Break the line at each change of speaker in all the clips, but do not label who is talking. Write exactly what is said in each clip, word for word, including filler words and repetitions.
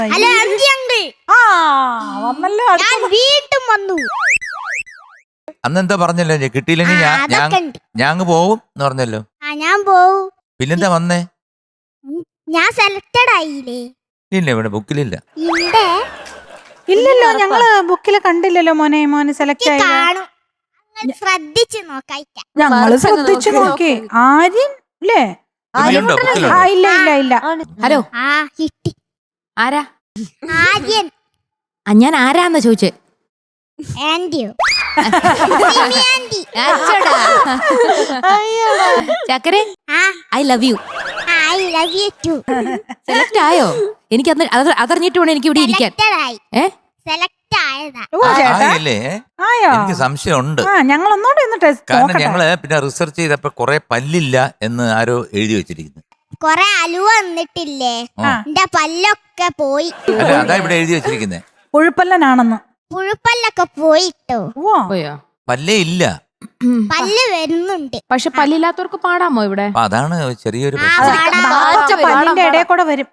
Hello അഞ്ചി uncle.
ആ വന്നല്ലോ.
ഞാൻ വീണ്ടും വന്നു.
അന്നെന്താ പറഞ്ഞല്ലോ കിട്ടിയില്ലെങ്കിൽ ഞാൻ ഞാൻ അങ്ങ് പോവും എന്ന് പറഞ്ഞല്ലോ.
ആ ഞാൻ പോവും.
പിന്നെന്താ വന്നേ?
ഞാൻ സെലക്ടഡ് ആയില്ലേ?
ഇല്ല ഇവിടെ ബുക്കിലില്ല.
ഇവിടെ
ഇല്ലല്ലോ, ഞങ്ങള് ബുക്കില് കണ്ടില്ലല്ലോ മോനെ. മോനെ സെലക്ട് ആയി
കാണും. ശ്രദ്ധിച്ചു നോക്കാം.
ഞങ്ങള് ശ്രദ്ധിച്ചു നോക്കി. ആര്യൻ അല്ലേ?
ബുക്കിലുണ്ടോ?
ആ
ബുക്കിലുണ്ടോ?
ഇല്ല ഇല്ല ഇല്ല.
ഹലോ,
ആ കിട്ടി.
ആരാ?
ആര്യൻ.
ആ, ഞാൻ ആരാന്നാ ചോദിച്ചേ?
ആന്റിയോ?
ചക്കരെ, I love you.
I love you too.
Select ആയോ? എനിക്ക് അതറിഞ്ഞിട്ട് വേണം എനിക്ക് ഇവിടെ ഇരിക്കാൻ. ഏ
സെലക്ട് ആയതാ.
ഓ ചേട്ടാ
ആയില്ലേ?
ആയോ?
എനിക്ക് സംശയമുണ്ട്.
ആ ഞങ്ങൾ ഒന്നോടെ ഒന്ന് ടെസ്റ്റ്
കാരണം
നോക്കട്ടെ.
ഞങ്ങള് പിന്നെ റിസർച്ച് ചെയ്തപ്പോ കൊറേ പല്ലില്ല എന്ന് ആരോ എഴുതി വെച്ചിരിക്കുന്നു.
കൊറേ അലുവ വന്നിട്ടില്ലേ?
ആ.
എന്റെ പല്ലൊക്കെ പോയി.
അല്ല അതാ ഇവിടെ എഴുതി വെച്ചിരിക്കുന്നേ.
പുഴുപ്പല്ലനാണെന്ന്.
പുഴുപ്പല്ലൊക്കെ പോയിട്ടോ.
ഓ
പോയോ?
പല്ലേ ഇല്ല.
പല്ല് വരുന്നുണ്ട്.
പക്ഷെ പല്ലില്ലാത്തവർക്ക് പാടാമോ ഇവിടെ?
അപ്പൊ അതാണ് ചെറിയൊരു
ആ,
പ്രശ്നം.
പാടാം.
നാളത്തെ പല്ലിന്റെ ഇടയിൽ കൂടെ വരും.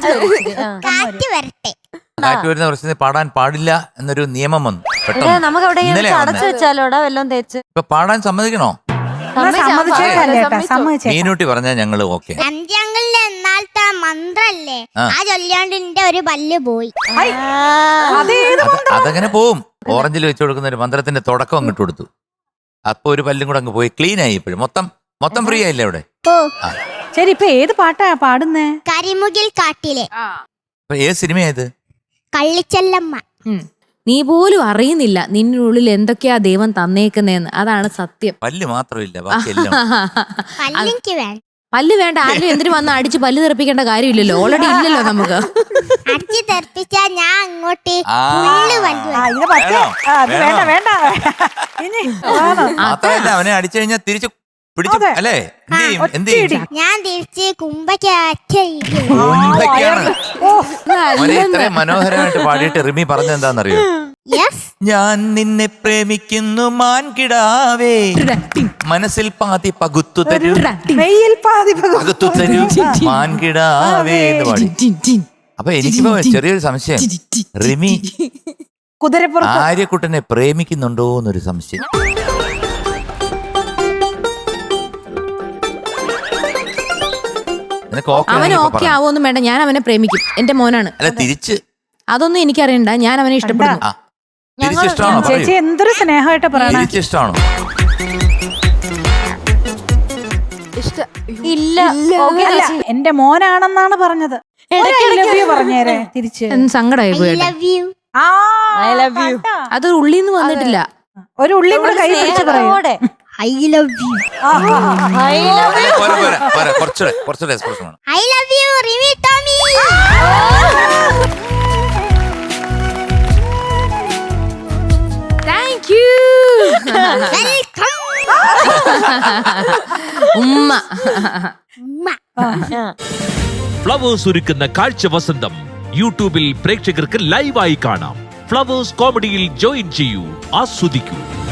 കാറ്റ് വരട്ടെ.
കാറ്റ് വരുന്ന പ്രശ്നത്തിൽ പാടാൻ പാടില്ല എന്നൊരു നിയമം വന്നു പെട്ടെന്ന്.
നമുക്ക്
ഇന്നലെ
എവിടെയെങ്കിലും അടച്ചു
വന്നേ.
വെച്ചാലോടാ വല്ലോം തേച്ച്.
ഇപ്പൊ പാടാൻ സമ്മതിക്കണോ?
സമ്മതിച്ചേക്കാം ചേട്ടാ, സമ്മതിച്ചേക്കാം.
മീനൂട്ടി പറഞ്ഞാ ഞങ്ങള് ഓക്കെ.
അഞ്ചങ്ങളിലെ എന്നാലത്തെ മന്ത്രല്ലേ
ആ.
ആ ചൊല്ലിയോണ്ട് എന്റെ ഒരു പല്ല് പോയി.
അതേത്
അതങ്ങനെ പോവും. ഓറഞ്ചിൽ വെച്ച് കൊടുക്കുന്ന ഒരു മന്ത്രത്തിന്റെ തുടക്കം അങ്ങോട്ട് കൊടുത്തു. അപ്പൊ ഒരു പല്ലും കൂടെ അങ്ങ് പോയി. ക്ലീൻ ആയി. ഇപ്പോഴും മൊത്തം മൊത്തം ഫ്രീ ആയില്ലേ അവിടെ?
ഓ
ആ.
ശരി, ഇപ്പൊ ഏത് പാട്ടാ പാടുന്നേ?
കരിമുകിൽ കാട്ടിലെ
അപ്പൊ ഏത് സിനിമയായത്?
കള്ളിച്ചെല്ലമ്മ.
നീ പോലും അറിയുന്നില്ല നിന്നുള്ളിൽ എന്തൊക്കെയാ ദൈവം തന്നേക്കുന്നേന്ന്. അതാണ് സത്യം.
പല്ല് മാത്രമില്ല ബാക്കിയെല്ലാം.
പല്ലിക്ക് വേണ്ട.
പല്ല് വേണ്ട. ആരും എന്തിനു വന്ന് അടിച്ച് പല്ല് തെറിപ്പിക്കേണ്ട കാര്യമില്ലല്ലോ. ഓൾറെഡി ഇല്ലല്ലോ നമുക്ക്.
അടിച്ചു തെറിപ്പിച്ചാ ഞാൻ അങ്ങോട്ട്
ആ.
പുല്ല് പല്ല്
ആ ഇത് പറ്റേ. ആ, അത് വേണ്ട വേണ്ട. ഇനി വേണം.
മാത്രമല്ല അവനെ അടിച്ചു കഴിഞ്ഞാൽ തിരിച്ചു പിടിച്ചു
അതെ.
അല്ലേ? എന്ത് ചെയ്യും? എന്ത് ചെയ്യും?
ഞാൻ തിരിച്ച് കുമ്പയ്ക്ക് അച്ഛ
കുമ്പയ്ക്കാണ്.
ഓ
അവനെ ഇത്രയും മനോഹരമായിട്ട് പാടിയിട്ട് റിമി പറഞ്ഞെന്താന്നറിയോ?
യെസ്.
ഞാൻ നിന്നെ പ്രേമിക്കുന്നു മാൻകിടാവേ, മനസ്സിൽ പാതി പകുത്തു തരൂ,
മെയ്യിൽ പാതി
പകുത്തു തരൂ മാൻകിടാവേ എന്ന് പാടി. അപ്പൊ എനിക്കിപ്പോ ചെറിയൊരു സംശയം. റിമി
കുതിരപ്പുറത്ത്.
ആര്യക്കുട്ടനെ പ്രേമിക്കുന്നുണ്ടോ എന്നൊരു സംശയം. നിനക്ക് ഓക്കെ
അവന്
ആണെങ്കിൽ ഇപ്പൊ
ഓക്കെ
പറ.
ആവോന്നും വേണ്ട. ഞാൻ അവനെ പ്രേമിക്കും. എന്റെ മോനാണ്.
അല്ല തിരിച്ച്
അതൊന്നും എനിക്കറിയണ്ട. ഞാൻ അവനെ ഇഷ്ടപ്പെടുന്നു.
ആ തിരിച്ച് ഇഷ്ടമാണോ?
ചേച്ചി എന്തൊരു സ്നേഹമായിട്ട് പറയണേ.
തിരിച്ച് ഇഷ്ടമാണോ?
ഇല്ല ഓക്കേ
അല്ല,
ചേച്ചി.
എന്റെ മോനാണെന്നാണ് പറഞ്ഞത്.
ഇടയ്ക്കിടയ്ക്ക്
പറഞ്ഞേരെ തിരിച്ച്.
സങ്കടമായി
ഐ
പോയിട്ട്.
Love you.
ആ
I love you.
കണ്ടാ?
അത് ഉള്ളിന്ന് വന്നിട്ടില്ല.
ഒരു ഉള്ളി കൂടെ കൈ പിടിച്ച് പറയും.
സ്നേഹത്തോടെ.
I love you.
I love you.
പോരാ, പോരാ, പോരാ, കുറച്ചുകൂടെ കുറച്ചുകൂടെ എക്സ്പ്രഷൻ വേണം.
I love you Rimi Tomy.
Thank you.
Welcome.
ഉമ്മ.
ഉമ്മ.
ഫ്ലവേഴ്സ് ഒരുക്കുന്ന കാഴ്ച വസന്തം യൂട്യൂബിൽ പ്രേക്ഷകർക്ക് ലൈവായി കാണാം. ഫ്ലവേഴ്സ് കോമഡിയിൽ ജോയിൻ ചെയ്യൂ, ആസ്വദിക്കൂ.